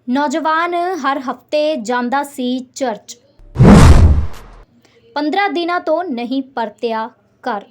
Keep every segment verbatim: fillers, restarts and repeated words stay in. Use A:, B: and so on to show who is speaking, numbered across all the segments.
A: ਨੌਜਵਾਨ ਹਰ ਹਫ਼ਤੇ ਜਾਂਦਾ ਸੀ ਚਰਚ। ਪੰਦਰਾਂ ਦਿਨਾਂ ਤੋਂ ਨਹੀਂ ਪਰਤਿਆ ਘਰ।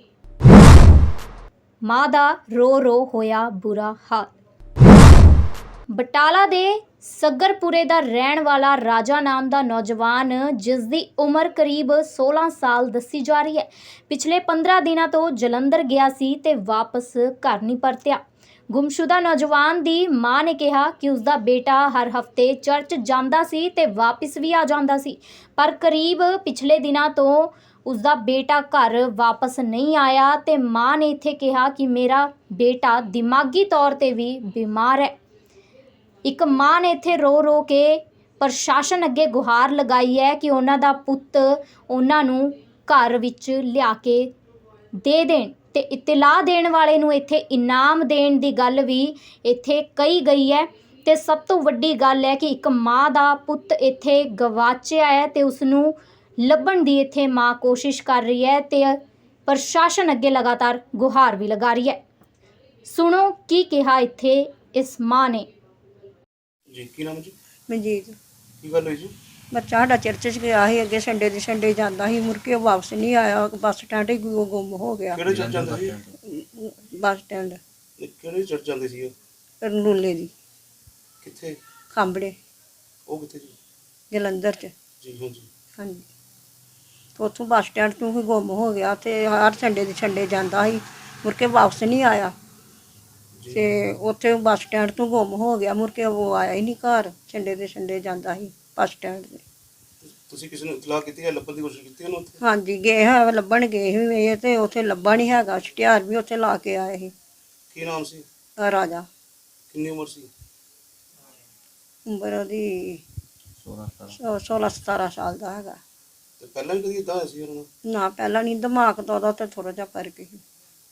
A: ਮਾਂ ਦਾ ਰੋ ਰੋ ਹੋਇਆ ਬੁਰਾ ਹਾਲ। ਬਟਾਲਾ ਦੇ ਸੱਗਰਪੁਰੇ ਦਾ ਰਹਿਣ ਵਾਲਾ ਰਾਜਾ ਨਾਮ ਦਾ ਨੌਜਵਾਨ, ਜਿਸ ਦੀ ਉਮਰ ਕਰੀਬ ਸੋਲਾਂ ਸਾਲ ਦੱਸੀ ਜਾ ਰਹੀ ਹੈ, ਪਿਛਲੇ ਪੰਦਰਾਂ ਦਿਨਾਂ ਤੋਂ ਜਲੰਧਰ ਗਿਆ ਸੀ ਤੇ ਵਾਪਸ ਘਰ ਨਹੀਂ ਪਰਤਿਆ। ਗੁੰਮਸ਼ੁਦਾ ਨੌਜਵਾਨ ਦੀ ਮਾਂ ਨੇ ਕਿਹਾ ਕਿ ਉਸਦਾ ਬੇਟਾ ਹਰ ਹਫ਼ਤੇ ਚਰਚ ਜਾਂਦਾ ਸੀ ਤੇ ਵਾਪਸ ਵੀ ਆ ਜਾਂਦਾ ਸੀ, ਪਰ ਕਰੀਬ ਪਿਛਲੇ ਦਿਨਾਂ ਤੋਂ ਉਸਦਾ ਬੇਟਾ ਘਰ ਵਾਪਸ ਨਹੀਂ ਆਇਆ ਤੇ ਮਾਂ ਨੇ ਇੱਥੇ ਕਿਹਾ ਕਿ ਮੇਰਾ ਬੇਟਾ ਦਿਮਾਗੀ ਤੌਰ ਤੇ ਵੀ ਬਿਮਾਰ ਹੈ। ਇੱਕ ਮਾਂ ਨੇ ਇੱਥੇ ਰੋ ਰੋ ਕੇ ਪ੍ਰਸ਼ਾਸਨ ਅੱਗੇ ਗੁਹਾਰ ਲਗਾਈ ਹੈ ਕਿ ਉਹਨਾਂ ਦਾ ਪੁੱਤ ਉਹਨਾਂ ਨੂੰ ਘਰ ਵਿੱਚ ਲਿਆ ਕੇ ਦੇ ਦੇਣ ਤੇ ਇਤਲਾਹ ਦੇਣ ਵਾਲੇ ਨੂੰ ਇੱਥੇ ਇਨਾਮ ਦੇਣ ਦੀ ਗੱਲ ਵੀ ਇੱਥੇ ਕਹੀ ਗਈ ਹੈ। ਤੇ ਸਭ ਤੋਂ ਵੱਡੀ ਗੱਲ ਹੈ ਕਿ ਇੱਕ ਮਾਂ ਦਾ ਪੁੱਤ ਇੱਥੇ ਗਵਾਚਿਆ ਹੈ ਤੇ ਉਸ ਨੂੰ ਲੱਭਣ ਦੀ ਇੱਥੇ ਮਾਂ ਕੋਸ਼ਿਸ਼ ਕਰ ਰਹੀ ਹੈ ਤੇ ਪ੍ਰਸ਼ਾਸਨ ਅੱਗੇ ਲਗਾਤਾਰ ਗੁਹਾਰ ਵੀ ਲਗਾ ਰਹੀ ਹੈ। ਸੁਣੋ ਕੀ ਕਿਹਾ ਇੱਥੇ ਇਸ ਮਾਂ ਨੇ।
B: ਜੀ ਕੀ ਨਾਮ ਜੀ?
C: ਮਨਜੀਤ।
B: ਕੀ ਗੱਲ ਹੋਈ ਜੀ?
C: ਬੱਚਾ ਸਾਡਾ ਚਰਚ 'ਚ ਗਿਆ ਸੀ, ਅੱਗੇ ਸੰਡੇ ਦੇ ਸੰਡੇ ਜਾਂਦਾ ਸੀ, ਮੁੜ ਕੇ ਉਹ ਵਾਪਸ ਨਹੀਂ ਆਇਆ। ਬੱਸ ਸਟੈਂਡ ਹੀ ਗੁ- ਗੁੰਮ ਹੋ ਗਿਆ।
B: ਕਿਹੜੇ ਚਰਚ ਜਾਂਦੇ ਸੀ?
C: ਬੱਸ ਸਟੈਂਡ
B: ਇਹ ਕਿਹੜੇ ਚਰਚ ਜਾਂਦੇ ਸੀ ਉਹ?
C: ਰਨੂਲੇ ਦੀ
B: ਕਿੱਥੇ?
C: ਖਾਂਬੜੇ
B: ਉਹ ਕਿੱਥੇ ਜੀ?
C: ਜਲੰਧਰ 'ਚ।
B: ਜੀ ਹਾਂਜੀ।
C: ਹਾਂਜੀ, ਤੇ ਉੱਥੋਂ ਬੱਸ ਸਟੈਂਡ ਤੋਂ ਹੀ ਗੁੰਮ ਹੋ ਗਿਆ ਤੇ ਹਰ ਸੰਡੇ ਦੇ ਸੰਡੇ ਜਾਂਦਾ ਸੀ, ਮੁੜ ਕੇ ਵਾਪਸ ਨਹੀਂ ਆਇਆ।
B: ਜੀ।
C: ਤੇ ਉੱਥੇ ਬੱਸ ਸਟੈਂਡ ਤੋਂ ਗੁੰਮ ਹੋ ਗਿਆ, ਮੁੜ ਕੇ ਉਹ ਆਇਆ ਹੀ ਨਹੀਂ ਘਰ। ਸੰਡੇ ਦੇ ਸੰਡੇ ਜਾਂਦਾ ਸੀ ਬੱਸ ਸਟੈਂਡ 'ਤੇ।
B: ਤੁਸੀਂ ਕਿਸੇ ਨੂੰ ਇਤਲਾਹ ਕੀਤੀ ਹੈ? ਲੱਭਣ ਦੀ ਕੋਸ਼ਿਸ਼ ਕੀਤੀ ਉਹਨੂੰ ਉੱਥੇ?
C: ਹਾਂਜੀ, ਗਏ ਹੈ ਲੱਭਣ ਗਏ ਸੀ ਇਹ, ਤੇ ਉੱਥੇ ਲੱਭਾ ਨਹੀਂ ਹੈਗਾ। ਛਟਿਆਰ ਵੀ ਉੱਥੇ ਲਾ ਕੇ ਆਏ ਸੀ।
B: ਕੀ ਨਾਮ ਸੀ?
C: ਆਹ ਰਾਜਾ।
B: ਕਿੰਨੀ ਉਮਰ ਸੀ?
C: ਉਮਰ ਉਹਦੀ ਸੋਲਾਂ ਸਤਾਰਾਂ ਸਾਲ ਦਾ ਹੈਗਾ।
B: ਤੇ ਪਹਿਲਾਂ ਵੀ ਕਦੀ ਇਦਾਂ ਹੋਇਆ ਸੀ ਉਹਨਾਂ ਨੂੰ?
C: ਨਾ, ਪਹਿਲਾਂ ਨਹੀਂ, ਦਿਮਾਗ ਤਾਂ ਉਹਦਾ ਤੇ ਥੋੜਾ ਜਿਹਾ ਕਰਕੇ ਸੀ।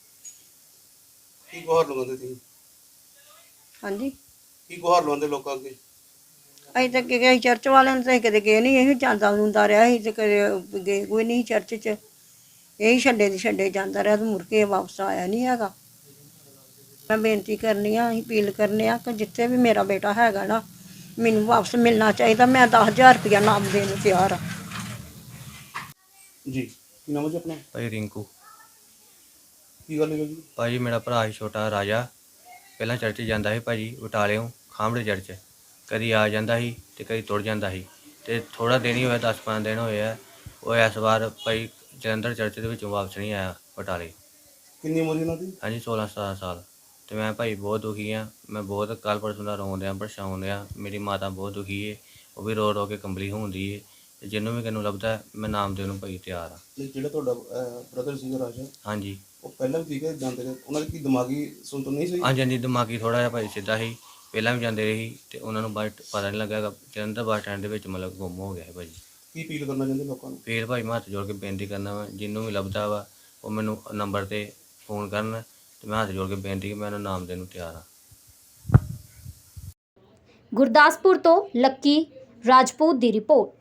B: ਕੀ ਗੁਹਾਰ ਲਗਾਉਂਦੇ ਸੀ?
C: ਹਾਂਜੀ,
B: ਕੀ ਗੁਹਾਰ ਲਗਾਉਂਦੇ ਲੋਕਾਂ ਅੱਗੇ?
C: ਅਸੀਂ ਤਾਂ ਕਿ ਗਏ ਚਰਚ ਵਾਲਿਆਂ ਨੂੰ ਤਾਂ ਕਦੇ ਗਏ ਨਹੀਂ। ਇਹ ਜਾਂਦਾ ਹੁੰਦਾ ਰਿਹਾ ਸੀ ਤੇ ਕਦੇ ਗਏ ਕੋਈ ਨਹੀਂ ਚਰਚ 'ਚ। ਇਹੀ ਛੱਡੇ ਦੀ ਛੱਡੇ ਜਾਂਦਾ ਰਿਹਾ ਤੇ ਮੁੜ ਕੇ ਵਾਪਸ ਆਇਆ ਨਹੀਂ ਹੈਗਾ। ਮੈਂ ਬੇਨਤੀ ਕਰਨੀ ਆ, ਅਸੀਂ ਅਪੀਲ ਕਰਨੇ ਆ ਕਿ ਜਿੱਥੇ ਵੀ ਮੇਰਾ ਬੇਟਾ ਹੈਗਾ ਨਾ, ਮੈਨੂੰ ਵਾਪਸ ਮਿਲਣਾ ਚਾਹੀਦਾ। ਮੈਂ ਦਸ ਹਜ਼ਾਰ ਰੁਪਇਆ ਨਾਮ ਦੇਣ ਨੂੰ ਤਿਆਰ ਆ।
B: ਜੀ ਕੀ ਨਾਮ ਹੈ ਜੀ ਆਪਣਾ?
D: ਭਾਈ ਰਿੰਕੂ।
B: ਕੀ ਗੱਲ ਹੋਈ ਜੀ?
D: ਭਾਜੀ ਮੇਰਾ ਭਰਾ ਸੀ ਛੋਟਾ ਰਾਜਾ, ਪਹਿਲਾਂ ਚਰਚ ਜਾਂਦਾ ਸੀ ਭਾਜੀ ਬਟਾਲਿਓਂ ਖਾਂਬੜੇ ਚਰਚ। ਕਦੀ ਆ ਜਾਂਦਾ ਸੀ ਤੇ ਕਦੀ ਤੁਰ ਜਾਂਦਾ ਸੀ, ਤੇ ਥੋੜ੍ਹਾ ਦਿਨ ਹੀ ਹੋਇਆ, ਦਸ ਪੰਦਰਾਂ ਦਿਨ ਹੋਏ ਆ। ਉਹ ਇਸ ਵਾਰ ਭਾਈ ਜਲੰਧਰ ਚਰਚ ਦੇ ਵਿੱਚੋਂ ਵਾਪਸ ਨਹੀਂ ਆਇਆ ਬਟਾਲੇ।
B: ਕਿੰਨੀ ਉਮਰ ਸੀ ਉਹਨਾਂ ਦੀ?
D: ਹਾਂਜੀ ਸੋਲਾਂ ਸਤਾਰਾਂ ਸਾਲ। ਤੇ ਮੈਂ ਭਾਈ ਬਹੁਤ ਦੁਖੀ ਹਾਂ। ਮੈਂ ਬਹੁਤ ਕੱਲ੍ਹ ਪਰਸੋਂ ਦਾ ਰੋਣ ਦਿਆਂ ਪਰੇਸ਼ਾਨ ਦਿਆਂ। ਮੇਰੀ ਮਾਤਾ ਬਹੁਤ ਦੁਖੀ ਹੈ, ਉਹ ਵੀ ਰੋ ਰੋ ਕੇ ਕੰਬਲੀ ਹੁੰਦੀ ਹੈ। ਤੇ ਜਿਹਨੂੰ ਵੀ ਕਿਨੂੰ ਲੱਭਦਾ ਮੈਂ ਨਾਮ ਦੇਣ ਨੂੰ ਭਾਈ ਤਿਆਰ ਹਾਂ।
B: ਤੇ ਜਿਹੜਾ ਤੁਹਾਡਾ ਬ੍ਰਦਰ ਸੀਗਾ ਰਾਜਾ,
D: ਹਾਂਜੀ
B: ਉਹ ਪਹਿਲਾਂ ਵੀ ਠੀਕ ਹੈ ਜਾਂਦੇ ਰਹੇ? ਉਹਨਾਂ ਦੀ ਕੀ ਦਿਮਾਗੀ ਸੁਣਤ ਨਹੀਂ ਸੀ?
D: ਹਾਂਜੀ ਹਾਂਜੀ ਦਿਮਾਗੀ ਥੋੜ੍ਹਾ ਜਿਹਾ ਭਾਈ ਸਿੱਧਾ ਸੀ, ਪਹਿਲਾਂ ਵੀ ਜਾਂਦੇ ਰਹੇ ਸੀ ਤੇ ਉਹਨਾਂ ਨੂੰ ਬਾਅਦ 'ਚ ਪਤਾ ਨਹੀਂ ਲੱਗਾ। ਜਲੰਧਰ ਬੱਸ ਸਟੈਂਡ ਦੇ ਵਿੱਚ ਮਤਲਬ ਗੁੰਮ ਹੋ ਗਿਆ ਹੈ ਭਾਜੀ।
B: ਕੀ ਅਪੀਲ ਕਰਨਾ ਚਾਹੁੰਦੇ ਲੋਕਾਂ ਨੂੰ?
D: ਫਿਰ ਭਾਈ ਮੈਂ ਹੱਥ ਜੋੜ ਕੇ ਬੇਨਤੀ ਕਰਨਾ ਵਾ, ਜਿਹਨੂੰ ਵੀ ਲੱਭਦਾ ਵਾ ਉਹ ਮੈਨੂੰ ਨੰਬਰ 'ਤੇ ਫੋਨ ਕਰਨ ਤੇ ਮੈਂ ਹੱਥ ਜੋੜ ਕੇ ਬੇਨਤੀ ਕਿ ਮੈਂ ਉਹਨੂੰ ਨਾਮ ਦੇਣ ਨੂੰ ਤਿਆਰ ਹਾਂ।
A: ਗੁਰਦਾਸਪੁਰ ਤੋਂ ਲੱਕੀ ਰਾਜਪੂਤ ਦੀ ਰਿਪੋਰਟ।